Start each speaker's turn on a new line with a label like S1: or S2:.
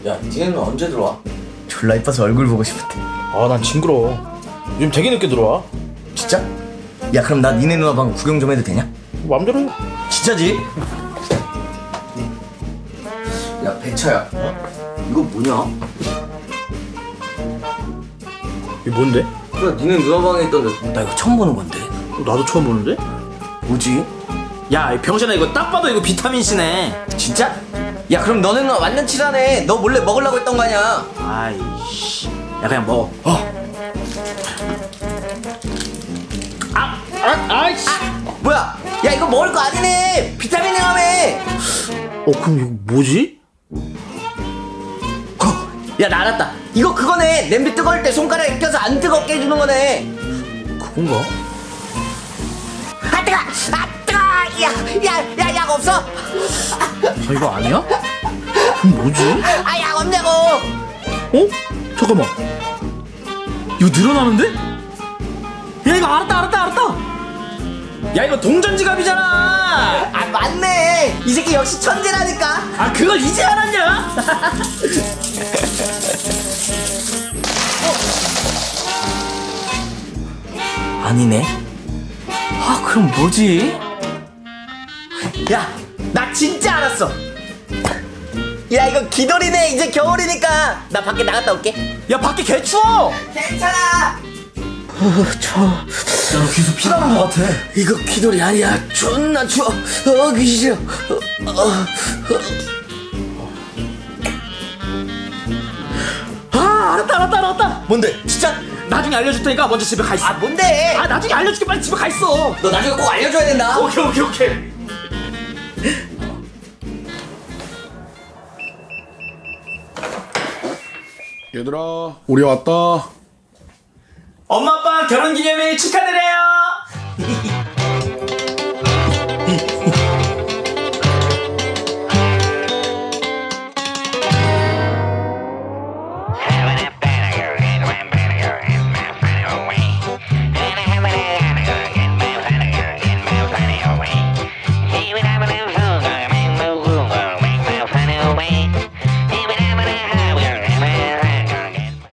S1: 야, 니네는 언제 들어와?
S2: 졸라 이뻐서 얼굴 보고 싶은데.
S3: 아, 난 징그러워. 요즘 되게 늦게 들어와.
S2: 진짜? 야, 그럼 나 니네 누나 방 구경 좀 해도 되냐?
S3: 맘대로 해.
S2: 진짜지?
S1: 야, 배차야. 이거 뭐냐?
S3: 이게 뭔데?
S1: 그래, 니네 누나 방에 있던데.
S2: 나 이거 처음 보는 건데.
S3: 나도 처음 보는데?
S2: 뭐지?
S3: 야, 이 병신아, 이거 딱 봐도 이거 비타민C네.
S2: 진짜? 야, 그럼 너는 완전 친하네. 너 몰래 먹으려고 했던 거 아니야?
S3: 아이씨. 야, 그냥 먹어. 아이씨.
S2: 뭐야? 야, 이거 먹을 거 아니네. 비타민이라며.
S3: 그럼 이거 뭐지?
S2: 야, 나 알았다. 이거 그거네. 냄비 뜨거울 때 손가락에 껴서 안 뜨겁게 해주는 거네.
S3: 그건가?
S2: 아, 뜨거! 아, 뜨거! 약 없어?
S3: 아, 이거 아니야? 그럼 뭐지?
S2: 아, 약 없냐고.
S3: 어? 잠깐만. 이거 늘어나는데? 야, 이거 알았다. 야, 이거 동전지갑이잖아.
S2: 아, 맞네. 이 새끼 역시 천재라니까.
S3: 아, 그걸 이제 알았냐?
S2: 아니네. 아, 그럼 뭐지? 야, 나 진짜 알았어. 야, 이거 기돌이네. 이제 겨울이니까 나 밖에 나갔다 올게.
S3: 야, 밖에 개 추워.
S2: 괜찮아. 추워.
S1: 야, 너 귀에서 피 나는 거 같아.
S2: 이거 기돌이 아니야. 존나 추워. 귀 싫어.
S3: 아, 알았다.
S2: 뭔데? 진짜?
S3: 나중에 알려줄 테니까 먼저 집에 가 있어.
S2: 아, 뭔데?
S3: 아, 나중에 알려줄게. 빨리 집에 가 있어.
S2: 너 나중에 꼭 알려줘야 된다.
S3: 오케이.
S4: 얘들아, 우리 왔다.
S3: 엄마 아빠 결혼기념일 축하드려요.